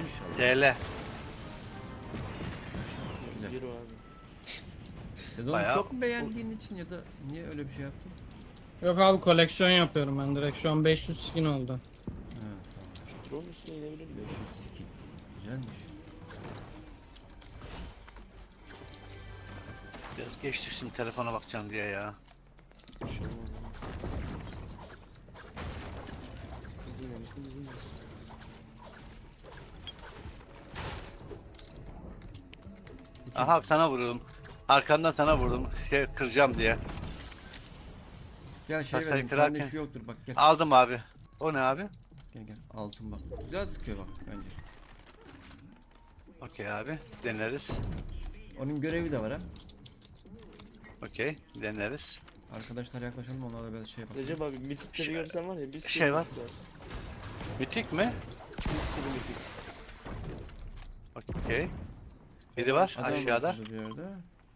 Maşallah. DL. Güzel. Yürü abi. Sezonu Bayağı- çok mu beğendiğin için ya da niye öyle bir şey yaptın? Yok abi koleksiyon yapıyorum ben direkt. Şu an 500 skin oldu. Ha tamam. Drone üstüne inebilir miyim? 500 skin. Güzelmiş. Biraz geç düştüm telefona bakacağım diye ya. Bir şey olmaz ama. Bizim yerimizde bizim yerimizde. Aha sana vurdum. Arkandan sana vurdum. Şey kıracağım diye. Gel şey Kasayı verelim. Sende kırarken- şu yoktur bak gel. Aldım abi. O ne abi? Gel gel. Altın bak. Güzel sıkıyor bak bence. Okey abi. Deneriz. Onun görevi de var ha. Okey. Deneriz. Arkadaşlar yaklaşalım onlarla biraz şey yapalım. Recep abi mitikleri Şey- görsen var ya bir sürü şey var. mitik var. Mitik mi? Bir sürü mitik. Okey. Biri var Adam aşağıda. var şurada bir yerde.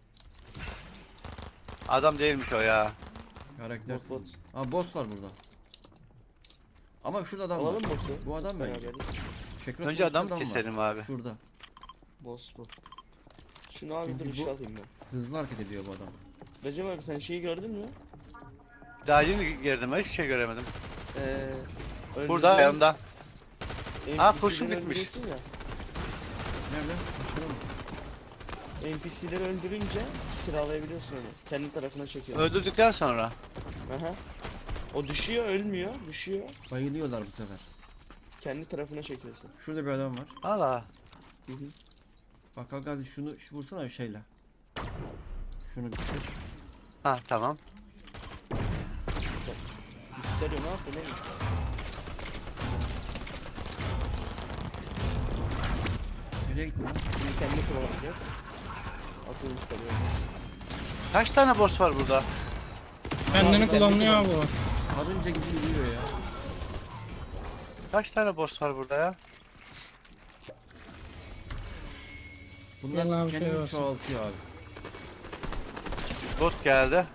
Adam değilmiş o ya. Karaktersiz. Bot bot. Aa boss var burada. Ama şurada adam Alalım var. boss'u. Bu adam bence. Beraberiz. Şekret Önce boss'ta adam var. keselim abi. Şurada. Boss bu. Şunu abi Çünkü dur bu- işe alayım ben. Hızlı hareket ediyor bu adam. Recep abi sen şeyi gördün mü? Daha yeni girdim ben hiçbir şey göremedim. öldüreceğimiz Burada yanımda. NPC'leri kurşun bitmiş. öldürüyorsun ya. Nerede? Şurada mı? NPC'leri öldürünce kiralayabiliyorsun onu. Kendi tarafına çekiyorsun. Öldürdükten sonra. Aha. O düşüyor, ölmüyor, düşüyor. Bayılıyorlar bu sefer. Kendi tarafına çekiyorsun. Şurada bir adam var. Allah. Hı hı. Bak Gazi şunu vursana şeyle. Şunu bir kır. Ha tamam. Misterio ne yaptı ne? Nereye gitti lan? Şimdi kendi kullanacak. Asıl Misterio. Kaç tane boss var burada? Kendini Abi, klonluyor bu. Karınca gibi yürüyor ya. Kaç tane boss var burada ya? Bunlar Gel abi, kendini şey olsun. çoğaltıyor abi. Bot geldi.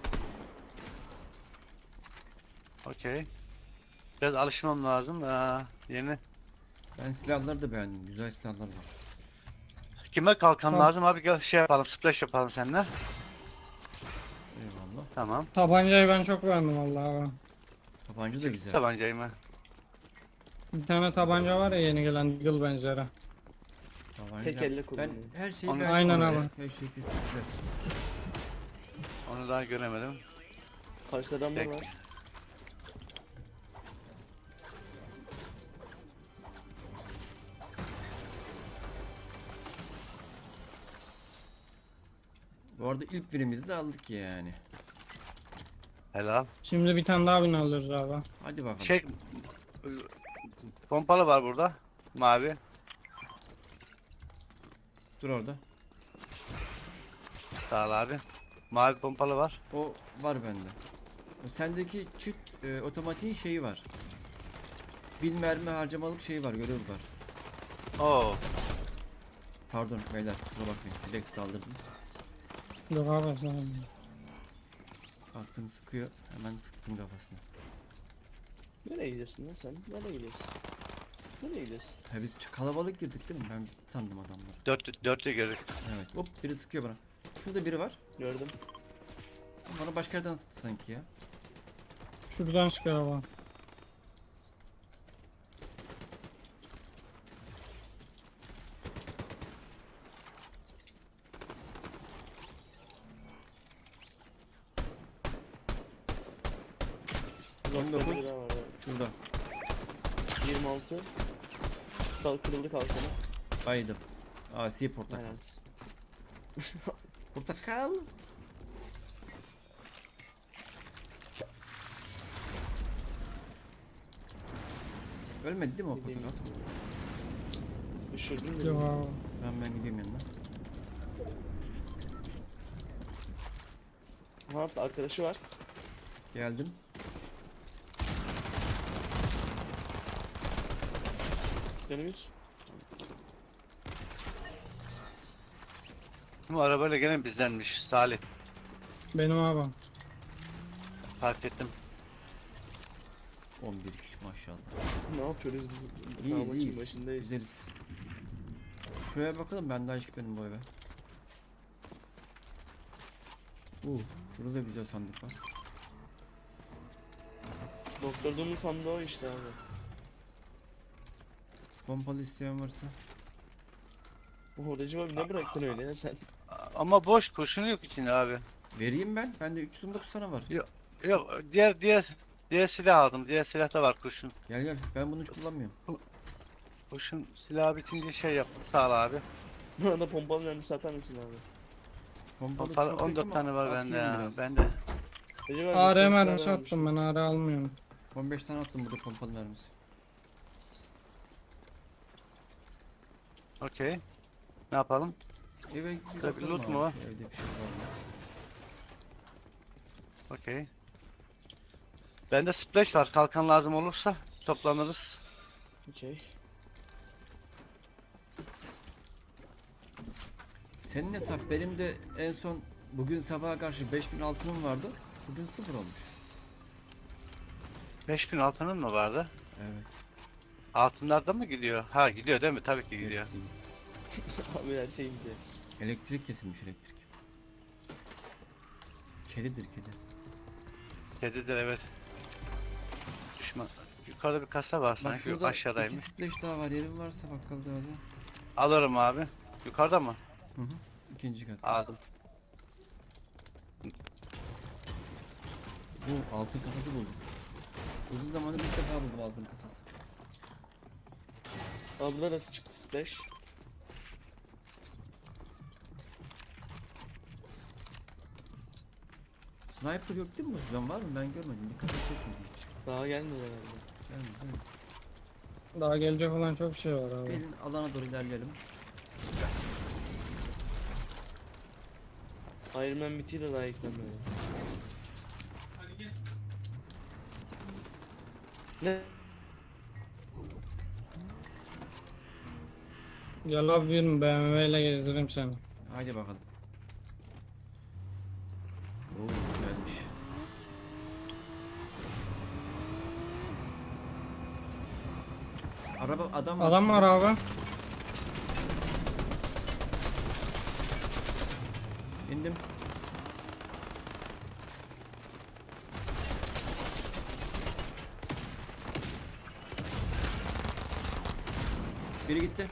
Okey. Biraz alışmam lazım. Yeni. Ben silahları da beğendim. Güzel silahlar var. Kime kalkan Tamam. lazım abi gel şey yapalım splash yapalım seninle. Eyvallah. Tamam. Tabancayı ben çok beğendim vallahi abi. Tabanca da güzel. Tabancayı mı? Bir tane tabanca var ya yeni gelen Deagle benzeri. Tabanca. Tek elle Ben kullanıyor. her şeyi Onu- beğendim. Aynen abi. abi. Her şey güzel. Onu daha göremedim. Karşı adamlar Tek. var. Bu arada ilk birimizi de aldık yani. Helal. Şimdi bir tane daha bin alıyoruz abi. Hadi bakalım. Şey pompalı var burada. Mavi. Dur orada. Sağ ol abi. Mavi pompalı var. O var bende. O sendeki çift otomatiğin şeyi var. 1000 mermi harcamalık şey var, görev var. Oo. Pardon beyler kusura bakmayın. Direkt saldırdım. Yok abi sen. Baktım sıkıyor. Hemen sıktım kafasına. Nereye gidiyorsun lan sen? Nereye gidiyorsun? Nereye gidiyorsun? Ha biz kalabalık girdik değil mi? Ben sandım adamları. Dörtlü gördük. Evet. Hop biri sıkıyor bana. Şurada biri var. Gördüm. Bana başka yerden sıktı sanki ya. Şuradan çıkıyor abi. Uzakta 19. biri daha var. Evet. Şurada. 26. Kırıldı kalkanı. Baydım. Asi portakal. Aynen. Portakal. Ölmedi değil mi o Gideyim. portakal? Düşürdün Yok mü? abi. Ben gideyim yanına. Ne yaptı? Arkadaşı var. Geldim. Canım hiç. Bu arabayla gelen bizdenmiş. Salih. Benim abi. Fark ettim. 11 kişi maşallah. Ne yapıyoruz biz? İyiyiz Maçın iyiyiz. başındayız. Güzeliz. Şuraya bakalım, ben daha hiç gitmedim bu eve. Şurada da güzel sandık var. Doktorduğumuz sandığı o işte abi. Pompalı isteyen varsa. O Recep abi ne bıraktın öyle ya sen? Ama boş, kurşunu yok içinde abi. Vereyim ben. Bende 319 tane var. Yok, diğer silah aldım. Diğer silahta var kurşun. Gel gel. Ben bunu hiç kullanmıyorum. Kurşun silahı bitince şey yaptım. Sağ ol abi. Bana da pompalı mermi satar mısın abi? Pompalı Pompalı çok yok 14 ama tane var atayım bende ya. biraz. Bende. Recep abi AR sen mermisi silah attım ben, AR almıyorum. 15 tane attım burada pompalı mermisi. Okey. Ne yapalım? Eve bir Tabii, bakalım loot abi. mu var? Evde bir şey var mı? Okey. Bende splash var. Kalkan lazım olursa toplanırız. Okey. Senin hesap, benim de en son bugün sabaha karşı 5000 altınım vardı. Bugün 0 olmuş. 5000 altının mı vardı? Evet. Altınlarda mı gidiyor? Ha gidiyor değil mi? Tabii ki gidiyor. hepsi. Abi her şey gidiyor. Elektrik kesilmiş, elektrik. Kedidir kedi. Kedidir evet. Düşman. Yukarıda bir kasa var Bak sanki. Yok, şurada aşağıdaymış. 2 splash daha var. Yerin varsa bakkal gazi. Alırım abi. Yukarıda mı? Hı hı. İkinci kat. Aldım. Bu altın kasası buldum. Uzun zamandır ilk defa buldum altın kasası. Abla nasıl çıktı splash? Sniper yok değil mi? Ben var mı? Ben görmedim. Dikkat çekmedi hiç. Daha gelmedi herhalde. Gelmedi değil mi? Daha gelecek olan çok şey var abi. Gelin alana doğru ilerleyelim. Iron Man bitiyor da daha eklenmedi. Ne? Gel abi, bir BMW ile gezdireyim seni. Haydi bakalım. Oo güzelmiş. Araba adam var. Adam var abi. İndim. Biri gitti.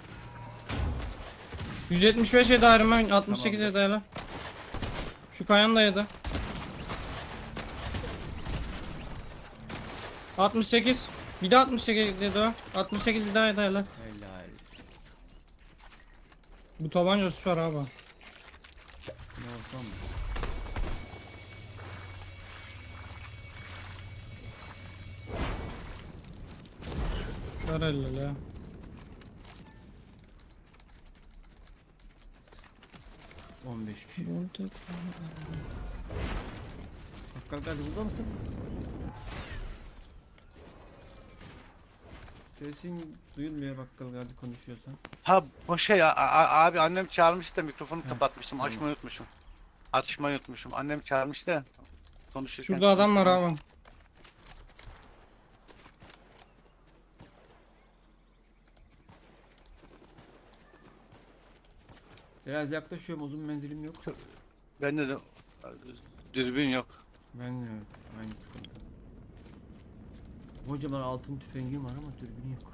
175 yedi Iron Man, 68 Tamamdır. yedi hele. Şu kayan da yedi. 68. Bir de 68 dedi o. 68 bir daha yedi hele. Helal. Bu tabanca süper abi. Ne olsam mı? Ver elle ya. On 15 kişi. Bakkal Gazi burada mısın? Sesin duyulmuyor Bakkal Gazi konuşuyorsan. Ha o şey abi annem çağırmıştı da mikrofonu Heh, kapatmıştım. tamam. Açmayı unutmuşum. Açmayı unutmuşum. Annem çağırmıştı da konuşurken. Şurada adam var abi. Biraz yaklaşıyorum, uzun menzilim yok. Bende de dürbün yok. Ben de evet, aynı sıkıntı. Kocaman altın tüfengim var ama dürbünü yok.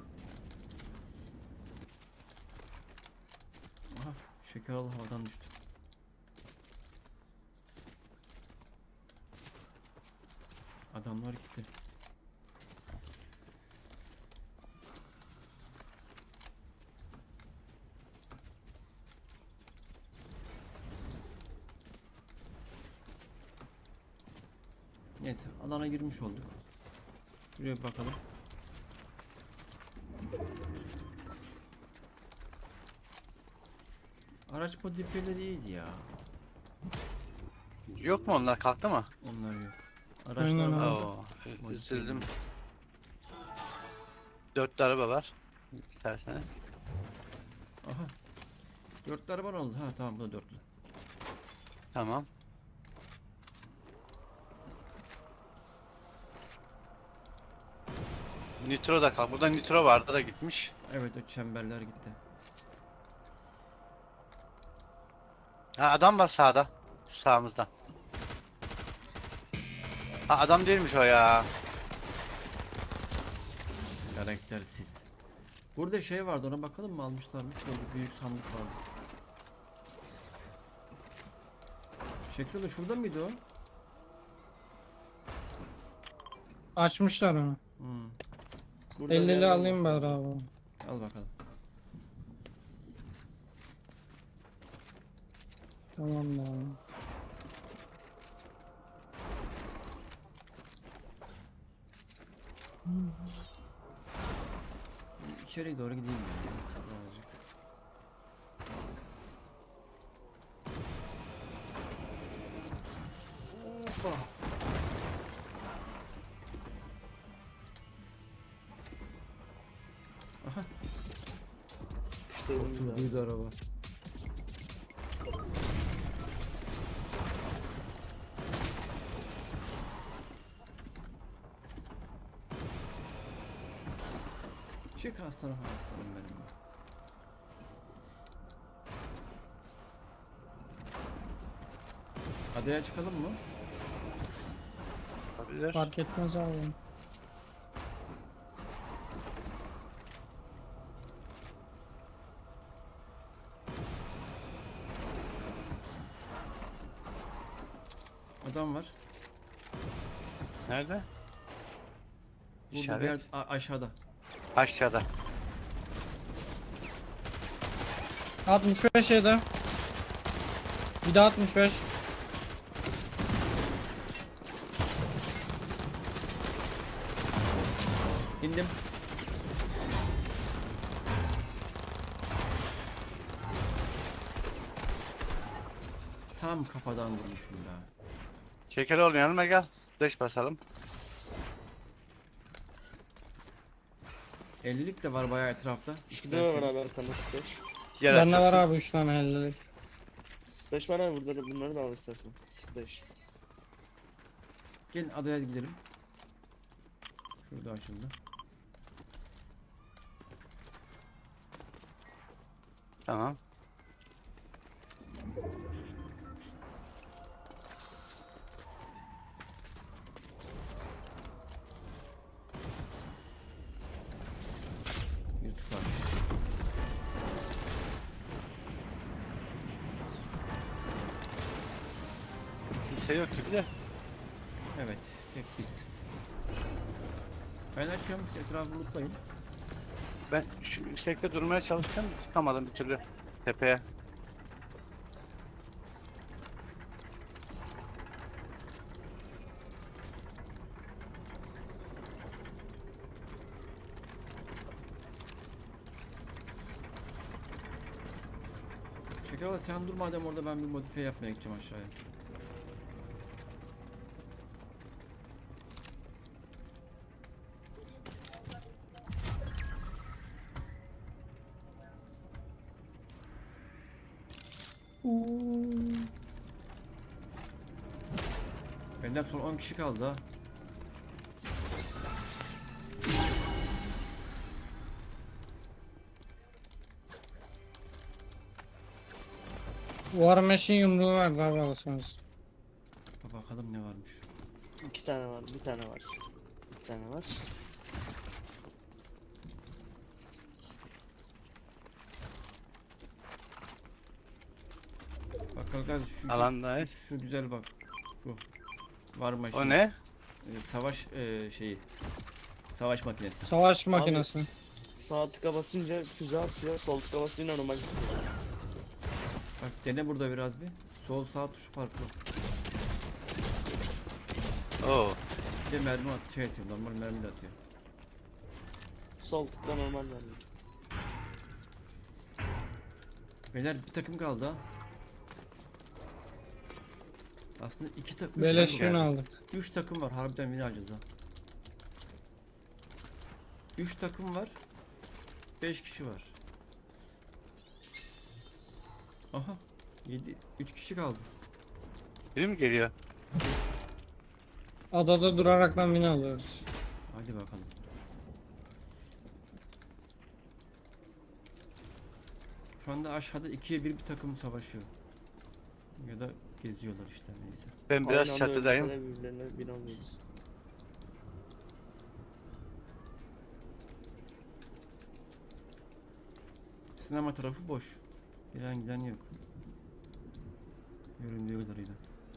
Aha, şeker alı havadan düştü. Adamlar gitti. Neyse, alana girmiş olduk. Şuraya bir bakalım. Araç modifiyeleri iyiydi ya. Yok mu onlar, kalktı mı? Onlar yok. Aynen Araçlar abi. var. Oo, üzüldüm. 4 araba var. İstersen. Aha. Dörtlü araban oldu. Ha tamam, bu da dörtlü. Tamam. Nitro da kalk. Burada nitro vardı da gitmiş. Evet, o çemberler gitti. Ha, adam var sağda. Sağımızda. Ha, adam değilmiş o ya. Karaktersiz. Burada şey vardı, ona bakalım mı, almışlar mı? Şöyle büyük sandık vardı. Şekilde şurada mıydı o? Açmışlar onu. Hmm. Burada bir 50'li yerden alayım basın. bari abi. Al bakalım. Tamam da abi. İçeriye doğru gideyim ya. Birazcık. Hoppa. Aha. İşte elimizde. Oturduydu araba. Çık aslanım, aslanım benim. Adaya çıkalım mı? Olabilir. Fark etmez abi. Adam var. Nerede? Burada bir İşaret. yer aşağıda. Aşağıda. 65 yedi. Bir de 65. İndim. Tam kafadan vurmuşum ya. Şeker oğlum, yanıma gel. Flash basalım. 50'lik de var bayağı etrafta. Şurada da var abi arkanda splash. Yer Bende var açılsın. abi 3 tane 50'lik. Splash var abi burada da, bunları da al istersen. Splash. Gelin adaya gidelim. Şurada açıldı. Tamam. Yırtık var. Kimse yok gibi de. Evet, tek biz. Ben açıyorum, siz etrafı unutmayın. Ben şu yüksekte durmaya çalıştım. Çıkamadım bir türlü. Tepeye. Şekerala sen dur madem orada, ben bir modifiye yapmaya gideceğim aşağıya. Benden son 10 kişi kaldı ha. War Machine yumruğu var abi alırsanız. Bakalım ne varmış. 2 tane var, bir tane var. Bir tane var. Bak kardeş şu, Alandayız. şu güzel bak. Şu. Var mı? O ne? Savaş şeyi. Savaş makinesi. Savaş makinesi. Sağ tıka basınca füze atıyor, sol tıka basınca normal sıkıyor. Bak dene burada biraz bir. Sol sağ tuşu farklı. Oo. Bir de mermi şey atıyor. Normal mermi de atıyor. Sol tıkla normal vermiyor. Beyler bir takım kaldı ha. Aslında iki takım. Beleş yün aldık. 3 takım var. Harbiden win alacağız ha. 3 takım var. 5 kişi var. Aha. 3 kişi kaldı. Biri mi geliyor? Adada duraraktan win alıyoruz. Hadi bakalım. Şu anda aşağıda 2'ye 1 bir takım savaşıyor. Ya da geziyorlar işte, neyse. Ben biraz Aynı anda çatıdayım. ölürse de birbirlerine binamıyoruz. Sinema tarafı boş. Gelen giden yok. Göründüğü kadarıyla.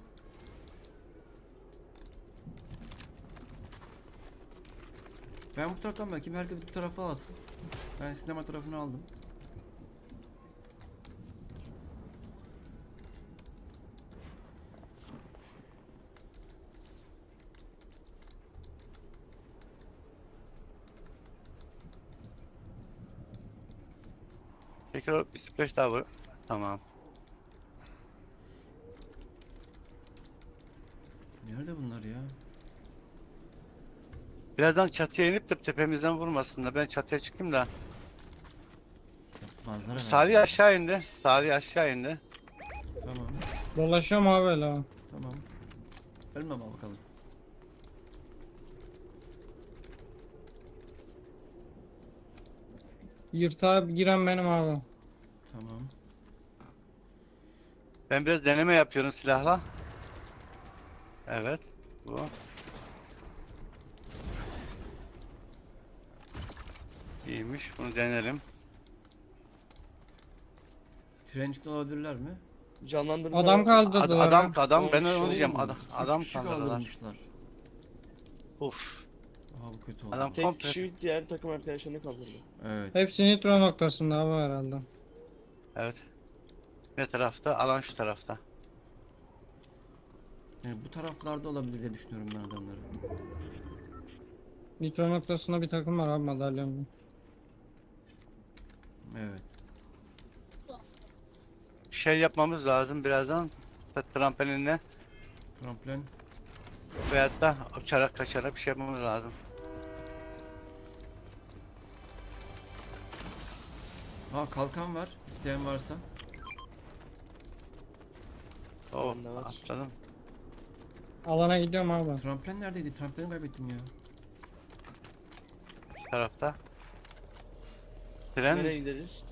Ben bu taraftan bakayım, herkes bu tarafa alsın. Ben sinema tarafını aldım. Tekrar bir splash daha var. Tamam. Nerede bunlar ya? Birazdan çatıya inip de tepemizden vurmasınlar. Ben çatıya çıkayım da. Manzara Salih aşağı indi. Salih aşağı indi. Tamam. Dolaşıyorum abi öyle. Ha. Tamam. Ölme ama bakalım. Yırtağa giren benim abi. Tamam. Ben biraz deneme yapıyorum silahla. Evet. Bu. İyiymiş. Bunu denerim. Trench'te olabilirler mi? Canlandırma Adam var. kaldırdılar. Adam ha. adam ben Olmuş, onu diyeceğim. Oo, Adam üç kişi kaldırdılar. kaldırmışlar. Uf. Aha, bu kötü oldu. Adam Tek komple. kişi diğer takım arkadaşlarını kaldırdı. Evet. Hepsi nitro noktasında abi herhalde. Evet. Ne tarafta? Alan şu tarafta. Yani bu taraflarda olabilir diye düşünüyorum ben adamları. Nitro noktasında bir takım var abi madalyonlu. Evet. Şey yapmamız lazım birazdan. Trampolinle Tramplen. veyahut da uçarak kaçarak bir şey yapmamız lazım. Ha, kalkan var. İsteyen varsa. Oh, Bende var. atladım. Alana gidiyorum abi. Tramplen neredeydi? Trampleni kaybettim ya. Şu tarafta. Tren. Nereye gideriz?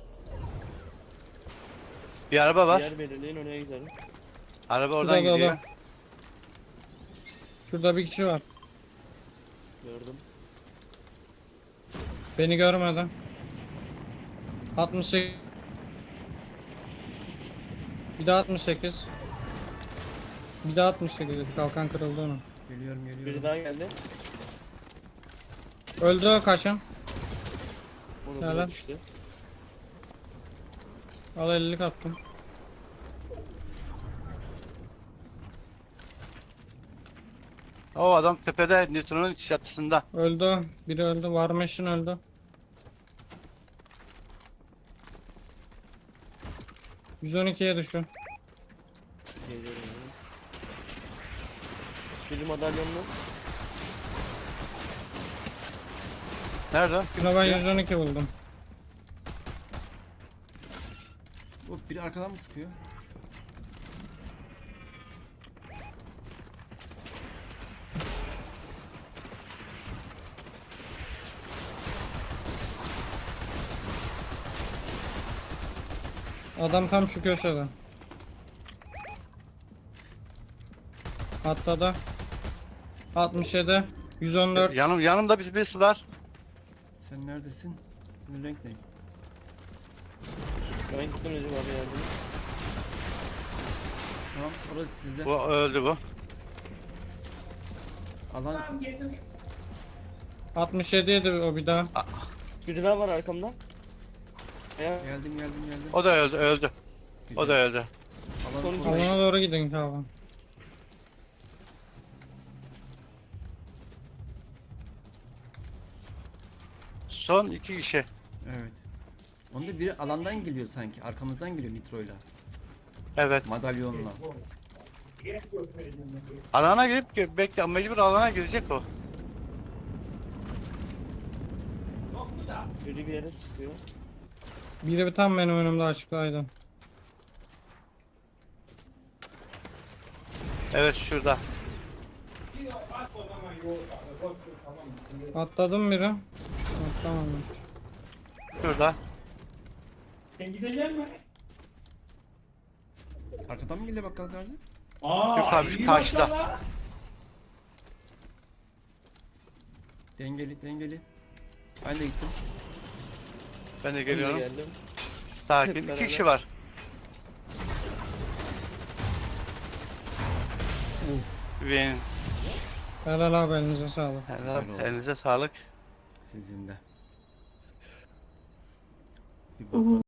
Bir araba var. Yer belirleyin oraya gidelim. Araba oradan Şurada, gidiyor. Şurada bir kişi var. Gördüm. Beni görmedi. 68. Bir daha 68. Bir daha 68. Kalkan kırıldı onun. Geliyorum, Biri geliyorum. daha geldi. Öldü o kaçın. Onu Helal. buna düştü. Al 50'lik attım. O adam tepede Newton'un çatısında. Öldü o. Biri öldü. Varmışın öldü. %12'ye düşün. Geliyorum yani. Biri madalyonlu. Nerede? o? Şuna ben 112 buldum. O biri arkadan mı sıkıyor? Adam tam şu köşede. Atladı. 67. 114. Yanımda birisi var. Sen neredesin? Senin renk ne? Ben gittim Recep abi yardım. Tamam, orası sizde. Bu öldü bu. Alan 67 yedi o bir daha. Biri daha var arkamda. Ya geldim. O da öldü. O da Güzel. öldü. Alan Son iki orası. Alana doğru gidin tamam. Son 2 kişi. Evet. Onda biri alandan geliyor sanki. Arkamızdan geliyor nitroyla. Evet. Madalyonla. Alana girip bekle, mecbur alana girecek o. biri bir yere sıkıyor. Biri tam benim önümde açıklaydı. Evet şurada. Atladım biri. Atlamamış. Şurada. Arkadan mı geliyor bakkal Gazi? Yok abi, şu karşıda. Dengeli dengeli. Ben de gittim. Ben de Ben de geliyorum. geldim. Sakin. Hep 2 kişi beraber. var. Win. Helal abi elinize sağlık. Helal. Güzel oldu. Elinize sağlık. Sizin de. Bir bakalım.